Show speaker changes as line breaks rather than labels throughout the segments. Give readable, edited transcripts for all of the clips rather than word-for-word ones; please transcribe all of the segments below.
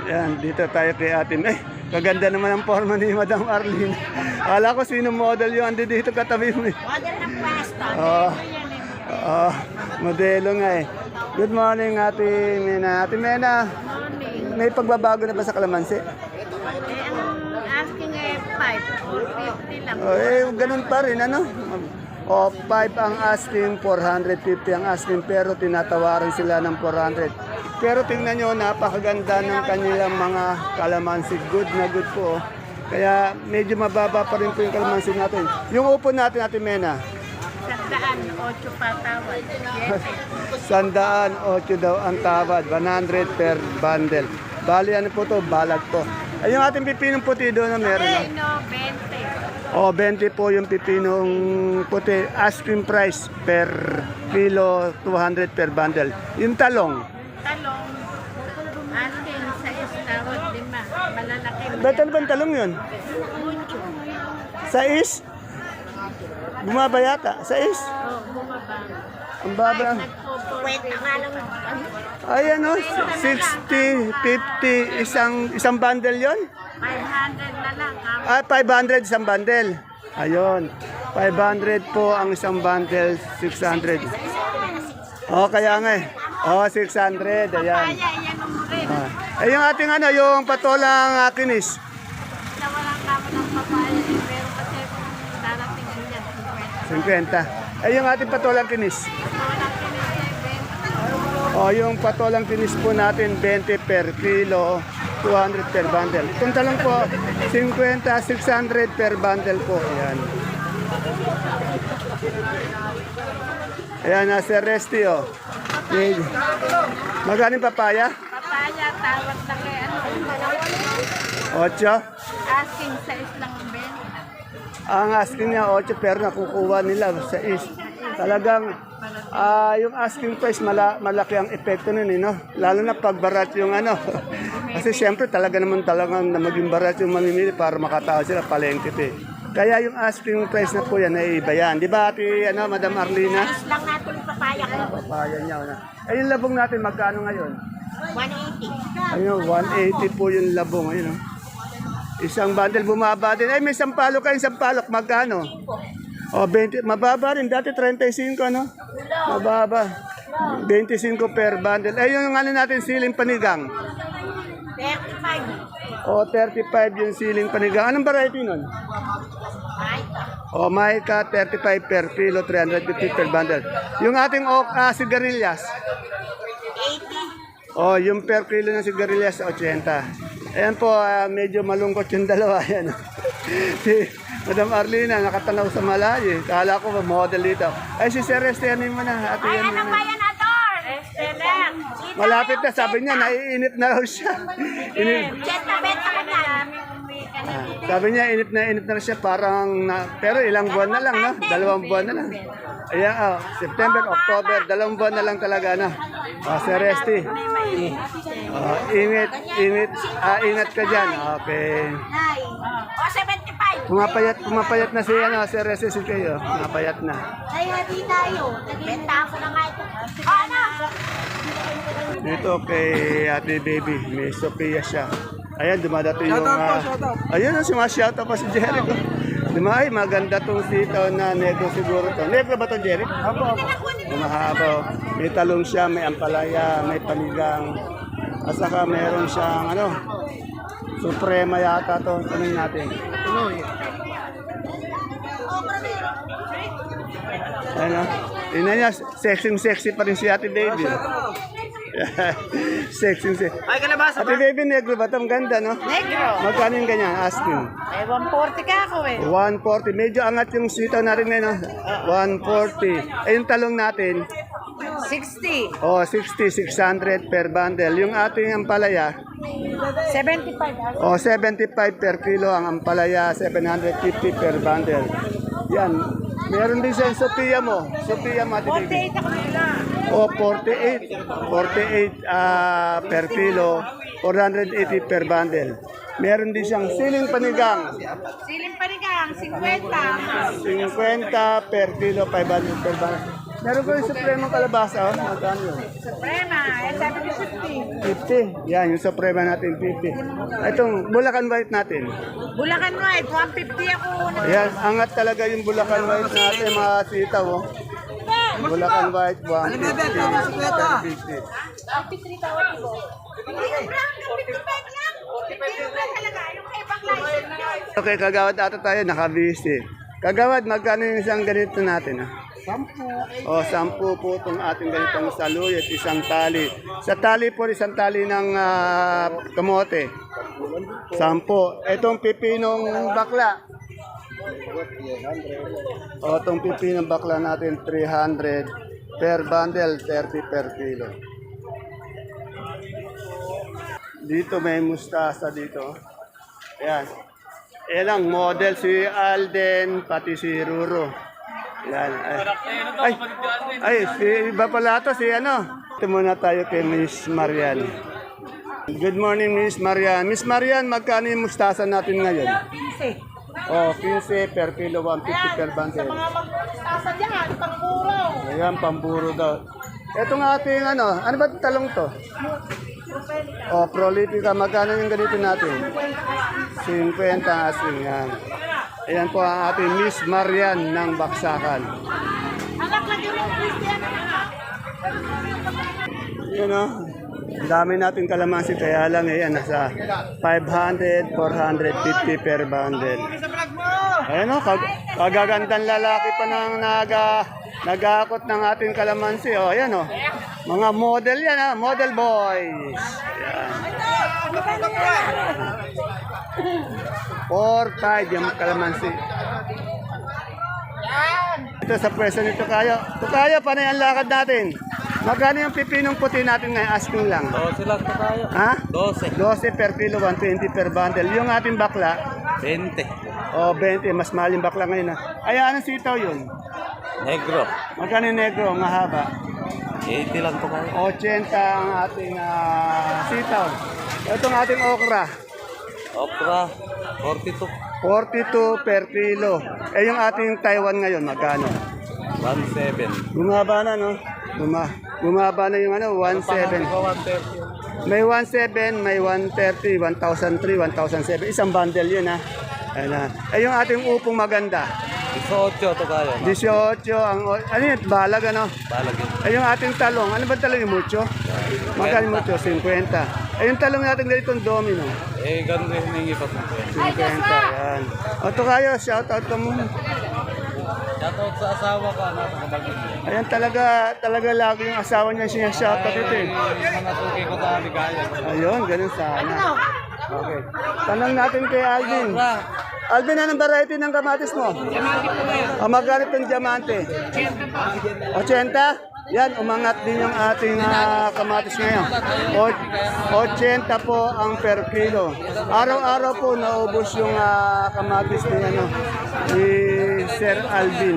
Yan, dito tayo kay atin. Eh, kaganda naman ang forma ni Madam Arlene. Akala ko sino model yung andi dito katabi mo eh.
Model ng pwesto.
Oo. Oo, modelo nga eh. Good morning, Ate Mena. Ate Mena,
Morning.
may pagbabago na ba sa kalamansi?
Eh, ang asking ay 5 or 50 lang.
Oh, eh, ganun pa rin, ano? O, 5 ang asking, 450 ang asking, pero tinatawaran sila ng 400. Pero tingnan nyo, napakaganda ng kanilang mga kalamansi. Good na good po. Oh. Kaya medyo mababa pa rin po yung kalamansi natin. Yung upo natin, Ate Mena,
108 pa tawad. Yes.
108 daw ang tawad, 100 per bundle. Bali, ano po to? Balag po. Ay, yung ating pipinong puti doon na meron.
Ay,
No?
no, 20.
O, 20 po yung pipinong puti. Asking price per kilo, 200 per bundle. Yung talong.
Talong. Asking sa tawad 5. Malalaki.
Ba't ano bang talong yun?
Mucho.
Sa is? Bumaba yata. Sa is?
Oh, bumaba.
Ang baba.
Kwenta nga lang.
Ay, ano? 60, 50, isang bundle yon?
500 na lang.
Ah, 500 isang bundle. Ayun. 500 po ang isang bundle, 600. Oh, kaya nga eh. Oh, 600. Ayan.
Kaya, yan ang rin.
Ah. Eh, yung ating ano, yung patolang kinis.
Nawalan naman ng papaya. Pero kasi kung darating yan,
50.
50.
Eh, yung ating patolang kinis.
Walang kinisay, 20.
Oh, yung patolang kinis po natin, 20 per kilo, 200 per bundle. Itong talong po, 50, 600 per bundle po. Ayan. Ayan, nasa Resti, oh. Magaling papaya?
Papaya, tawad na kay ano.
8.
Asking size lang ang 20.
Ang asking niya 8 pero nakukuha nila sa is. Talagang yung asking price malaki ang epekto nun, no? Lalo na pag barat yung ano. Kasi siyempre talagang na maging barat yung mamimili para makatao sila palengke eh. Kaya yung asking price na po yan ay iba yan. Di ba ati, ano, Madam Arlina?
Size lang natin yung papaya ko.
Papaya niya. Na. Eh yung labong natin magkano ngayon?
180.
Ayun, 180 po yung labong. Ayun, oh. Isang bundle bumaba din. Ay, may sampalok kayo, sampalok. Magkano? O, 20. Mababa rin. Dati 35, ano? Mababa. 25 per bundle. Ay, yung ano natin, siling panigang.
35.
O, 35 yung siling panigang. Anong variety nun? O, Maika, 35 per kilo, 350 per bundle. Yung ating sigarilyas.
80.
O, yung per kilo ng sigarilyas, 80. Ayan po, medyo malungkot yung dalawa. Ayan. Si Madam Arlina, nakatanaw sa malayo. Kala ko model dito. Ay, si Sir Esteban mo na. Ate, yan
Ano
muna.
ba yan, Ador? Esteban.
Malapit na, sabi niya, naiinit na raw siya. Init.
Cheta, benta ko na.
Sabi niya, init na siya. Parang, pero ilang buwan na lang, no? 2 buwan na lang. Ayan, September, October, 2 buwan na lang talaga, no? Sir Esti. Ingat ka dyan. Okay.
Hi. O, 75.
Pumapayat na si Sir Esti si kayo. Pumapayat na.
Ay, hati tayo. Benta ko na nga ito. Ano?
Dito kay Ate Baby, may Sophia siya. Ayan, dumadating yung... Ayun, sumasyoutout pa si Jericho. Ay, maganda tong sitaw na negro siguro to. Negro ba to, Jericho? Apo. Mahaba. May talong siya, may ampalaya, may panigang. At saka meron siyang suprema yata to. Tanong natin. Ano? Tingnan niya, sexy pa rin si Ate Baby. sexy.
Ay, kalabasa
Ate Baby, negro ba? Ang ganda, no?
Negro.
Magkano yung ganyan? Asking.
Eh, 140 ka ako eh.
140. Medyo angat yung sitaw natin ngayon, no? 140. Eh, yung talong natin,
60.
60, 600 per bundle. Yung ating ampalaya,
75.
75 per kilo ang ampalaya, 750 per bundle. Yan. Meron din sa Sophia mo. Sophia mo, Ate Baby.
48 ako nila.
48. 48 per kilo, 480 per bundle. Meron din siyang siling panigang.
Siling panigang, 50.
50 per kilo, 500 per bundle. Meron ko yung supremong kalabasa, oh. Magkano yun?
Suprema, eh, sabi ko 50.
50. Yan, yung suprema natin, 50. Itong Bulacan White natin.
Bulacan White, 150 ako.
Ayan, angat talaga yung Bulacan White natin, mga sitaw, oh. Bulacan White, 150.
53 tawad ko.
Okay, kagawad ata tayo, naka-busy. Kagawad, magkano yung isang ganito natin? 10. O, 10 po itong ating ganitong saluyot, isang tali. Sa tali po, isang tali ng kamote. 10. Itong pipinong bakla. O, itong pipinong bakla natin, 300 per bundle, 30 per kilo. Dito may mustasa dito. Ayan. Ayan lang, model si Alden, pati si Ruro. Ayan. Ay, si iba pala to, si ano. Ito muna tayo kay Miss Marian. Good morning, Miss Marian. Miss Marian, magkano yung mustasa natin ngayon?
15.
Oh, 15 per kilo, 150 per bundle.
Mga magpapastasa dyan, pangpuro.
Ayan, pamburo daw. Itong ating ano ba talong to? Oh, prolifica, magkano yung ganito natin? 50 asking yan. Ayan po ang ating Miss Marian ng Baksakan.
Anak lagi rin Christian.
Yun o, ang dami natin kalamansi kaya lang yan, nasa 500, 450 per bundle. Ayan o, kagagandang lalaki pa ng nag-aakot ng ating kalamansi. O, ayan o, mga model yan ha, model boys. Ayan. 4-5 yung kalamansi. Ito sa pwesto ni Tukayo. Tukayo, paano yung lakad natin? Magkano yung pipinong puti natin ngayon? Asking lang.
12 lang po tayo.
Ha?
12.
12 per kilo, 120 per bundle. Yung ating bakla,
20.
o 20, mas mahal yung bakla ngayon. Ay, anong sitaw yun?
Negro.
Magkano yung negro, mahaba?
80 lang po tayo.
80 ang ating sitaw. Itong ating okra,
Opera, 42.
42 per kilo. Eh, yung ating Taiwan ngayon, magkano?
17.
Bumaba na, no? Bumaba na yung 1.7.
130.
May 1.7, may 1.30, 1,003, 1,007. Isang bundle yun, ha? Ayan na. Eh, yung ating upong maganda.
18 to tayo.
18, ano yun? Balag, ano?
Balag yun.
Eh, yung ating talong. Ano ba talong yung mucho? Magkano yung mucho? 50. Eh, yung talong natin ganitong domino.
Eh, ganun rin hiningi pa po.
50, yan. O, ito kayo, shoutout ka muna.
Shoutout sa asawa ko, anak ko kabagin.
Ayan, talaga lagi yung asawa niya siya shoutout ito eh.
Mga suki ko sa Aligaya.
Ayun, ganun sana. Okay. Tanong natin kay Alvin. Alvin, anong variety ng kamatis mo? Magkano itong diamante? 80? Yan, umangat din yung ating kamatis ngayon. 80 po ang per kilo. Araw-araw po naubos yung kamatis ni Sir Alvin.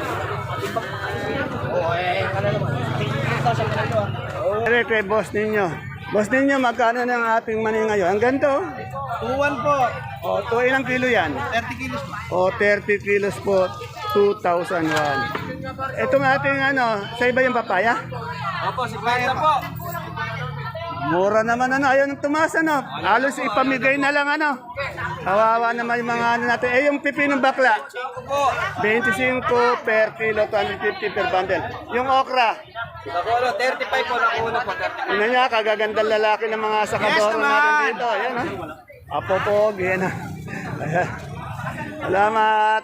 Pero kay boss ninyo. Boss ninyo, magkano na ang ating mani ngayon? Ang ganito.
2-1 po.
O, to ilang kilo yan?
30 kilos po.
O, 30 kilos po, 2,001. Itong ating sa iba yung papaya?
Opo, 50 po.
Mura naman ayaw ng tumaas Halos ipamigay na lang Kawawa naman yung mga natin. Eh, yung pipinong bakla? 25 per kilo, 250 per bundle. Yung okra?
35 po, nakuha po.
Ano niya, kagagandang lalaki ng mga sakadoro natin dito. Ayan Apopog, yan Ayan. Salamat.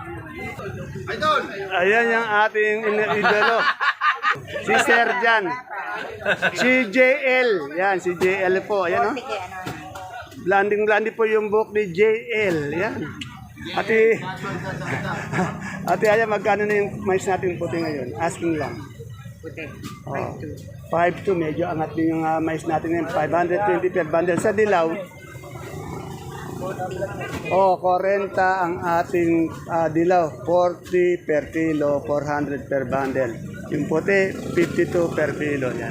Ayan yung ating idolo. Si Sir Jan. Si JL. Yan, si JL po. Ayan Blanding po yung book ni JL. Yan. Ate Aya, magkano na yung mais natin puti ngayon? Asking lang.
Puti.
5.2, medyo angat din yung mais natin ngayon. 520 per bundle. Sa dilaw, 40 ang ating dilaw. 40 per kilo, 400 per bundle. Yung puti, 52 per kilo. Yan.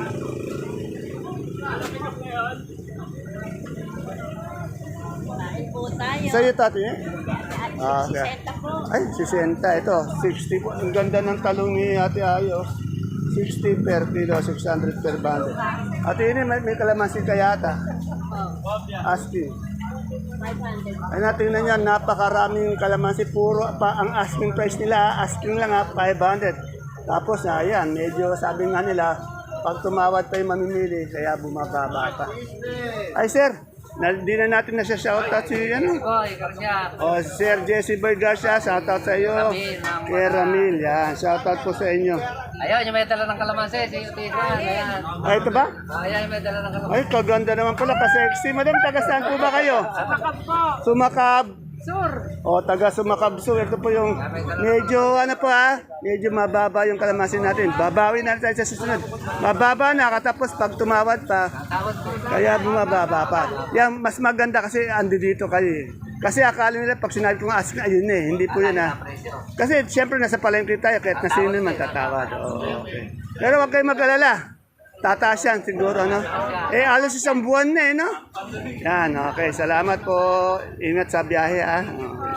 Sa'yo, tati, eh? Okay.
60 po.
Ay, 60. Ito, 60 po. Ang ganda ng talong ni Ate Ayo. 60 per kilo, 600 per bundle. At ini may kalamansi kayata. Asking.
500.
Ay natin na yan, napakaraming kalamansi. Puro pa ang asking price nila. Asking lang 500. Tapos na, ayan, medyo sabi nga nila, pag tumawad pa yung mamimili, kaya bumababa pa. Ay sir, di na natin na siya shoutout si ano.
Oy, Garcia.
O, Sir Jesse Boy Garcia, shoutout sa iyo. Kay Ramil, yan. Shoutout po sa inyo.
Ayun, yung may dala ng kalamansi, si Tizan. Ayan.
Ay, ito ba?
Ayan, yung may dala ng kalamansi.
Ay, kaganda naman pala. Ka-sexy. Madam, taga saan po ba kayo?
Sumakab po.
Sumakab.
Sur.
O, taga Sumakab. So, ito po yung medyo, ano po medyo mababa yung kalamansi natin. Babawi na tayo sa susunod. Mababa na, katapos pag tumawad pa,
Tawad po.
kaya bumababa pa. Yan, mas maganda kasi andi dito kayo eh. Kasi akala nila pag sinabi ko nga ask na, ayun eh, hindi po yun Kasi siyempre nasa palengke tayo, kahit na sino man tatawad. Oo, okay. Pero wag kayo mag-alala. Tataas yan siguro, no? Alos isang buwan na no? Yan, okay. Salamat po. Ingat sa biyahe, Okay.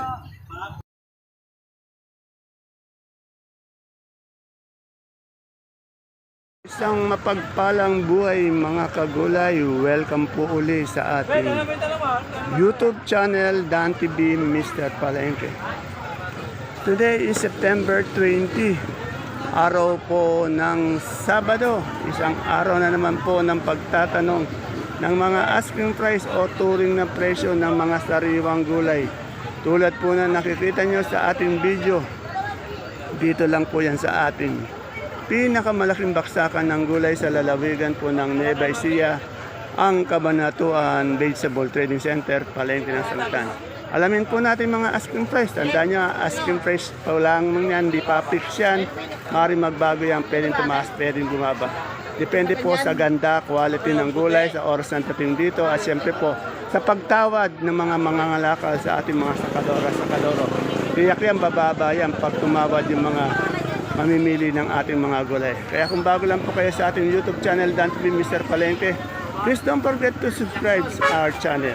Isang mapagpalang buhay mga kagulay, welcome po uli sa ating YouTube channel Dan TV Mr. Palengke. Today is September 20, araw po ng Sabado. Isang araw na naman po ng pagtatanong ng mga asking price o turing na presyo ng mga sariwang gulay. Tulad po na nakikita nyo sa ating video, dito lang po yan sa ating pinakamalaking baksakan ng gulay sa lalawigan po ng Nueva Ecija, ang Cabanatuan Vegetable Trading Center, Palengke ng Sangitan. Alamin po natin mga asking price. Tandaan nyo, asking price pa lang yan, di pa fix yan. Maaaring magbago yan, pwedeng tumaas, pwedeng bumaba. Depende po sa ganda, quality ng gulay, sa oras ng tating dito, at siyempre po sa pagtawad ng mga mangangalakal sa ating mga sakadoro. Tiyak yan, bababa yan pag tumawad yung mga mamimili ng ating mga gulay. Kaya kung bago lang po kayo sa ating YouTube channel, Dan TV Mr. Palengke, please don't forget to subscribe to our channel.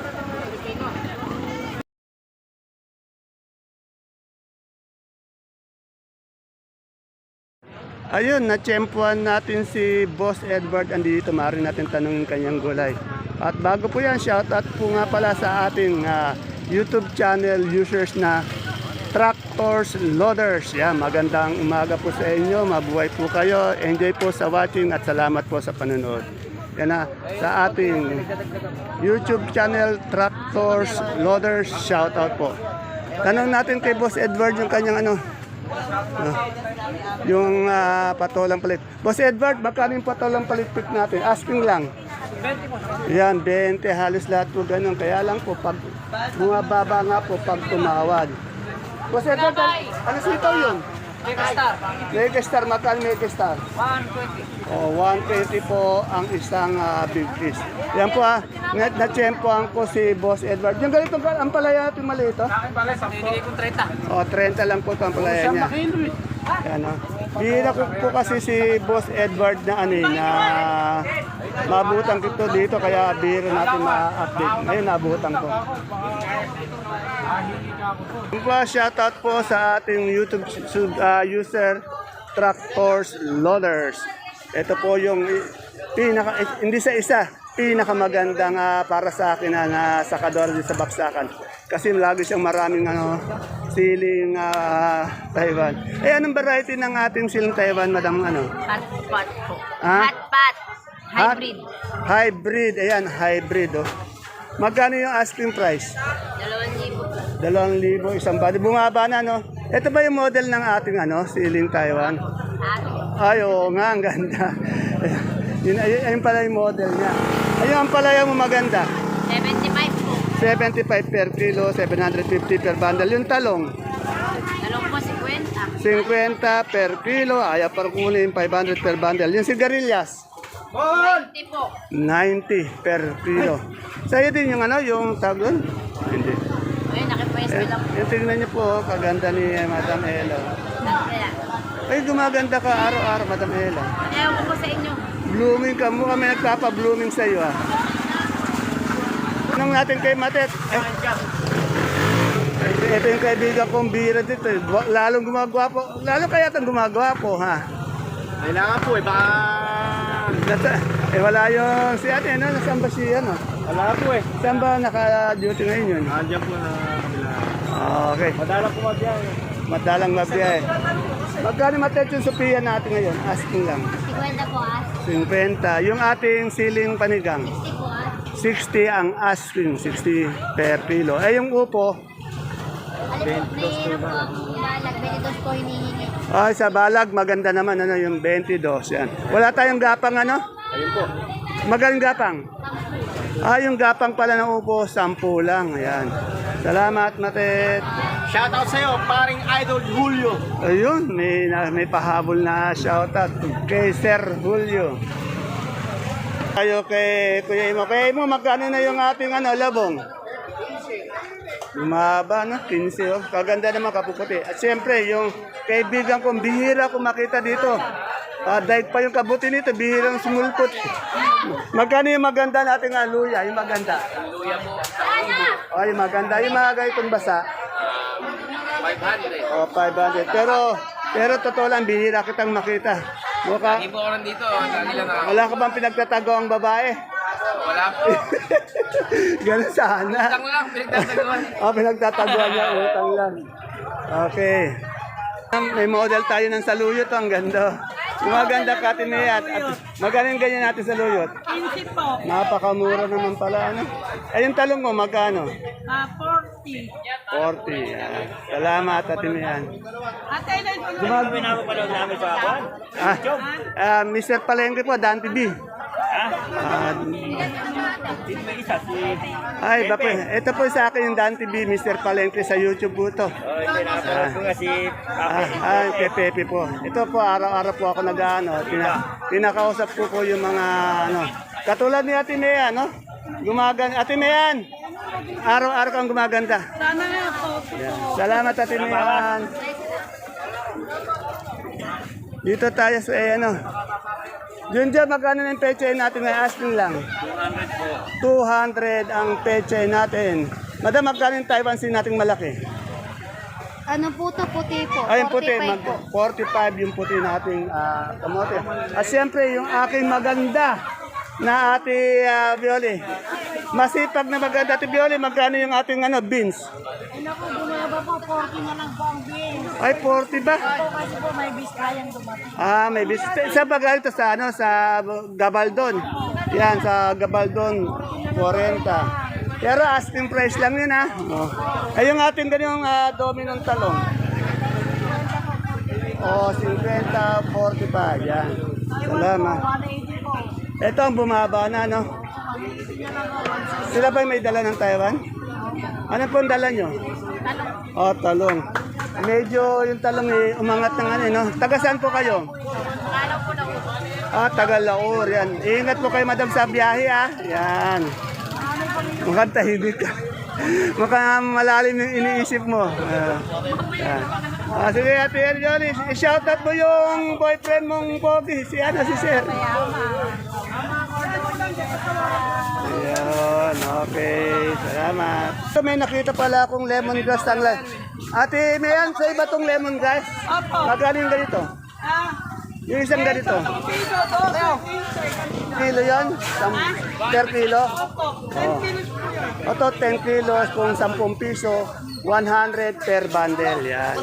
Ayun, natsyempuan natin si Boss Edward andito. Maaari natin tanungin kanyang gulay. At bago po yan, shoutout po nga pala sa ating YouTube channel users na Tractors Loaders. Yan, magandang umaga po sa inyo. Mabuhay po kayo. Enjoy po sa watching at salamat po sa panonood. Yan na, sa ating YouTube channel Tractors Loaders, shoutout po. Tanong natin kay Boss Edward yung kanyang yung patolang palit. Boss Edward, magkano yung patolang palit natin? Asking lang.
20 po.
Yan, 20 halos lahat po ganun. Kaya lang po, pag bumababa nga po pag tumawad. Boss Edward, ano sitaw yun?
Megastar.
Megastar, magkano Megastar?
120.
O, 120 po ang isang big fish. Yan po na-tsempohan ko si Boss Edward. Yung ganito, ang palaya natin maliit,
Akin pala, binigay ko 30.
O, 30 lang po ito ang palaya niya. Yan, bihira ko po kasi si Boss Edward na na mabutang ko dito, kaya bihira natin ma-update. Ngayon, nabutang ko. Shoutout po sa ating YouTube user Tractors Loaders. Ito po yung hindi sa isa, pinakamagandang para sa akin na sakador dito sa baksakan. Kasi lagi siyang maraming siling Taiwan. Anong variety ng ating siling Taiwan, Madam
Hot pot po.
Ha?
Hot pot. Hybrid.
Hybrid, ayan, hybrid Magkano yung asking price?
2,000 po.
2,000 isang body. Bumaba na, no? Ito ba yung model ng ating siling Taiwan? Ay, oo nga, ang ganda. Ayun pala yung model niya. Ayun ang palaya mo maganda.
75 po.
75 per kilo, 750 per bundle. Yung talong,
Talong po 50.
50 per kilo, ayaw par kunin, 500 per bundle. Yung sigarilyas,
20 po.
90 per kilo. Sa'yo din yung yung tagon? Hindi.
Ayun, nakipwesto lang po.
Yung tingnan niyo po, kaganda ni Madam Ella.
Kaya,
Ay, gumaganda ka araw-araw, Madam Ella.
ayaw ko po sa inyo.
Blooming ka, mukha may nagpapa-blooming sa'yo Tanong natin kay Matet. Ito yung kaibigan kong bira dito. Lalong gumagwapo. Lalo kaya itong gumagwapo, ha?
Kailangan po eh, baka...
Wala yung si ate, ano? Nasaan ba si ano?
Wala po eh.
Saan ba naka-duty ngayon yun?
Andiyan po na kabila.
Okay.
Madala po mabiyang.
Madalang mabiyahe. Magkano matet yung Sophia natin ngayon? Asking lang.
50 po
50. Yung ating siling panigang.
60 po
60 ang asking. 60 per kilo. Eh yung upo,
Mayroon po akong balag, 22 po hinihingi.
ay sa balag, maganda naman. Ano, yung 22. Yan. Wala tayong gapang ano?
Ayun po.
Magaling gapang. Yung gapang pala ng upo, 10 lang. Ayan. Salamat, Matet.
Shoutout sa'yo, paring Idol Julio.
Ayun, may pahabol na shoutout kay Sir Julio. Tayo kay Kuya Imo. Kuya Imo, magkano na yung ating labong? Lumaba, no? 15. Oh. Kaganda naman, kapuputi. At siyempre, yung kaibigan kong bihira ko makita dito. Daig pa yung kabuti nito, bihirang sumulpot. Magkano yung maganda nating luya? Yung maganda.
Luya po.
Yung maganda. Yung mga ganitong basa.
500.
500. Pero totoo lang, bihira kitang makita. Mukha,
Hindi po ako nandito. Lagi lang ako.
wala ka bang pinagtatago ang babae?
Wala po.
Ganun sana.
Utang lang, pinagtataguan.
Pinagtataguan niya, utang lang. Okay. May model tayo ng saluyot, ang ganda. Yung maganda katinayat. At magaling ganyan natin saluyot.
15 po.
Napakamura naman pala, ano? Yung talong mo, magkano?
40.
40. Yan. Salamat, Atinayan.
Ate, ilan po na?
Gumagawa na ako pala namin sa Mr. Palengke po, Dan TV. Ay, bako. Ito po sa akin yung Dan TV, Mr. Palengke sa YouTube po ito. Kay Pepe po. Ito po, araw-araw po ako nag-ano. Pinakausap po yung mga, katulad ni Ate Mea, no? Ate Mean, araw-araw kang gumaganda.
Sana nga po.
Salamat, Ate Mean. Dito tayo sa, Yun dyan, magkano na yung pechay natin? May asking lang.
200 po.
200 ang pechay natin. Madam, magkano yung Taiwan sin nating malaki?
Ano po to? Puti po.
Ay, yung puti.
45 po.
45 yung puti nating kamote. At siyempre, yung aking maganda na ate Violi. Masipag na maganda ate Violi, magkano yung ating beans?
Ay, naku, bumaba po. 40 na lang po ang beans.
Ay, 40 ba?
Po, kasi po may bis kayang dumating.
May bis. Sa bagal to sa sa Gabaldon. Yan, sa Gabaldon, 40. Pero asking price lang yun, ha? Ay, yung ating ganyang dominong talong. 50, 45. Yan. Salamat.
180 po.
Ito ang bumaba na, no? Sila ba may dala ng Taiwan? Ano po ang dala nyo? Talong. Medyo yung talong umangat ng no? Taga saan po kayo? Taga Laur, yan. Ingat po kayo, madam, sa biyahe, Yan. Mukhang tahimik ka. Mukhang malalim yung iniisip mo. Yan. Sige, Ate Johnny, i-shoutout mo yung boyfriend mong pogi, si Sir. Ayun, okay. Salamat. So, may nakita pala akong lemongrass tanglan. Ate, mayan sa iba tong lemongrass?
Opo.
Magkano yung ganito? Yung isang ganito?
Piso to.
Kilo yon? Per kilo?
Opo. 10 kilos po yun.
Oto, 10 kilos kung 10 piso, 100 per bundle. Yan.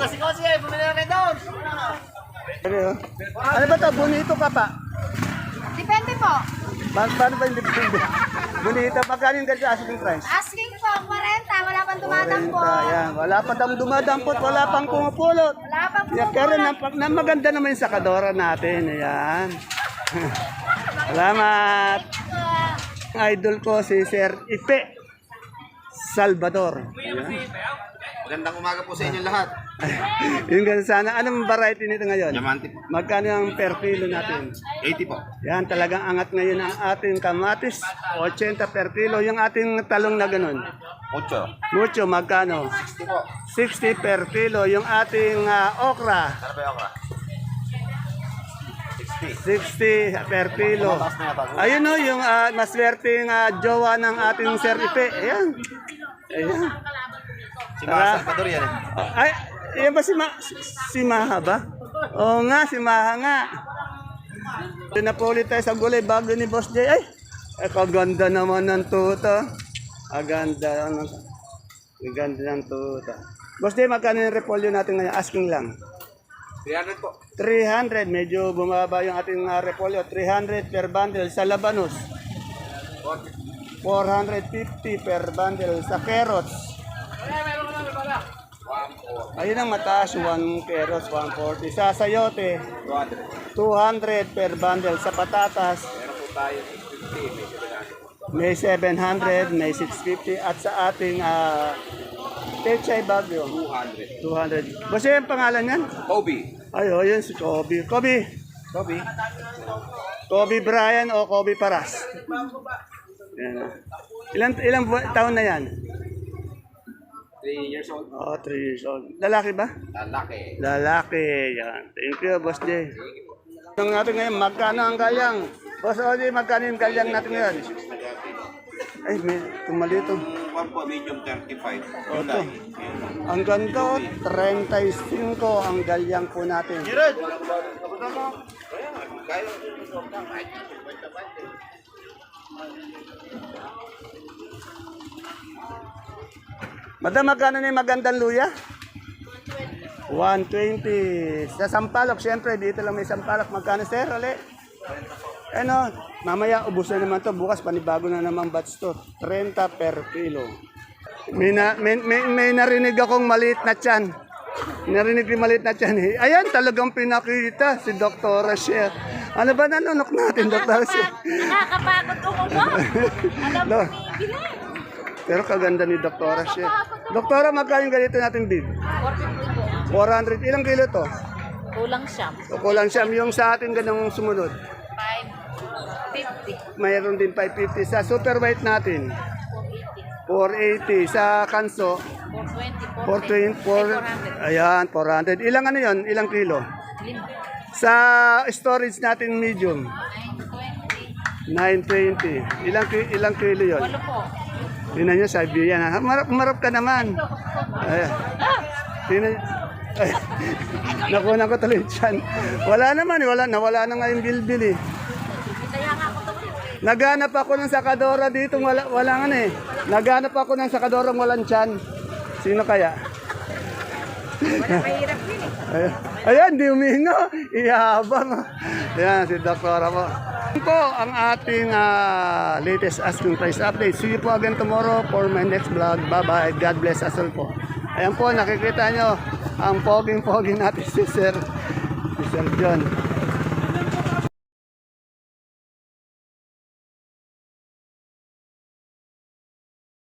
Ano ba to? Bonito ka pa?
Depende po.
Paano ba yung depende? Bonito, magkano yung ganito asking price?
Asking po, 40. Wala pang tumatampon.
40, yan. Wala pa tayong dumadampot, wala pang pumupulot.
Wala pang
Yeah, pero maganda naman yung sakadora natin. Ayan. Salamat. Idol ko si Sir Ipe Salvador. Ayan.
Magandang umaga po sa inyo lahat.
Yung ganun sana. Anong variety nito ngayon?
Diamante po.
Magkano ang per kilo natin?
80 po.
Yan, talagang angat ngayon ang ating kamatis. 80 per kilo. Yung ating talong na ganun.
8.
Mucho, magkano?
60 po.
60 per kilo. Yung ating okra.
Ano ba yung okra?
60 per kilo. Ayun o, yung maswerteng jowa ng ating Sir Ipe. Ayan. Ayan.
Si Mga Salvador yan
Ay, yan ba si Maha ba? Oo nga, si Maha nga. Ito na po ulit tayo sa gulay bago ni Boss J. Ay, kaganda naman ng tuta. Aganda. Aganda ng tuta. Boss J, magkano yung repolyo natin ngayon? Asking lang.
300 po.
300. Medyo bumaba yung ating repolyo. 300 per bundle sa labanos. 450 per bundle sa carrots. Ayun ang mataas, 1 carrots, 140. Sa sayote, 200 per bundle. Sa patatas, may 700, may 650. At sa ating pechay bagyo, 200. Basta yung pangalan yan?
Kobe.
Ay, oh, yun si Kobe. Kobe Brian o Kobe Paras? Yan, oh. Ilang taon na yan?
3 years old.
Oh, 3 years old. Lalaki ba?
Lalaki.
Lalaki. Yan. Thank you, Boss J. Ang natin ngayon, magkano ang galyang? Boss J, magkano yung galyang natin ngayon? Ay, may tumalito.
Medium 35.
Oto. Ang ganda, 35 ang galyang po natin. Madam, magkano na yung magandang luya? 120. Sa Sampalok, siyempre, dito lang may Sampalok. Magkano, sir? Uli? Ano, mamaya ubos na naman to. Bukas panibago na naman batch to. 30 per kilo. May narinig akong maliit na tiyan. Narinig ko yung maliit na tiyan. Ayan, talagang pinakita si Dr. Rachel. Ano ba nanunok natin, Dr. Rachel?
Nakakapagod ko mo. Alam mo, bilang.
Pero kaganda ni Dr. Rachel. Doktora, magkano yung ganito natin bib?
450 po.
400. Ilang kilo to?
Kulang siyam.
O kulang siya. Yung sa atin ganang sumunod.
550.
Mayroon din 550. Sa super white natin,
480.
480. Sa kanso,
420.
420. Ayan, 400. Ilang ano yun? Ilang kilo?
5.
Sa storage natin medium,
920.
920. Ilang kilo yun?
8 po.
Tingnan nyo, Siberian. Ha? Marap ka naman. Ayan. Tingnan ay, nakuha ko tuloy dyan. Wala naman, nawala na nga yung bilbil eh.
Kaya nga ako ito.
Naghanap ako ng sakadora dito, wala nga eh. Naghanap ako ng sakadora walang tiyan. Sino kaya?
Wala mahirap din eh.
Ayan, di umingo. Ihabang. Ayan, si Doktora po. Yan po ang ating latest asking price update. See you po again tomorrow for my next vlog. Bye-bye. God bless us all po. Ayan po, nakikita nyo ang poging-poging natin si Sir John.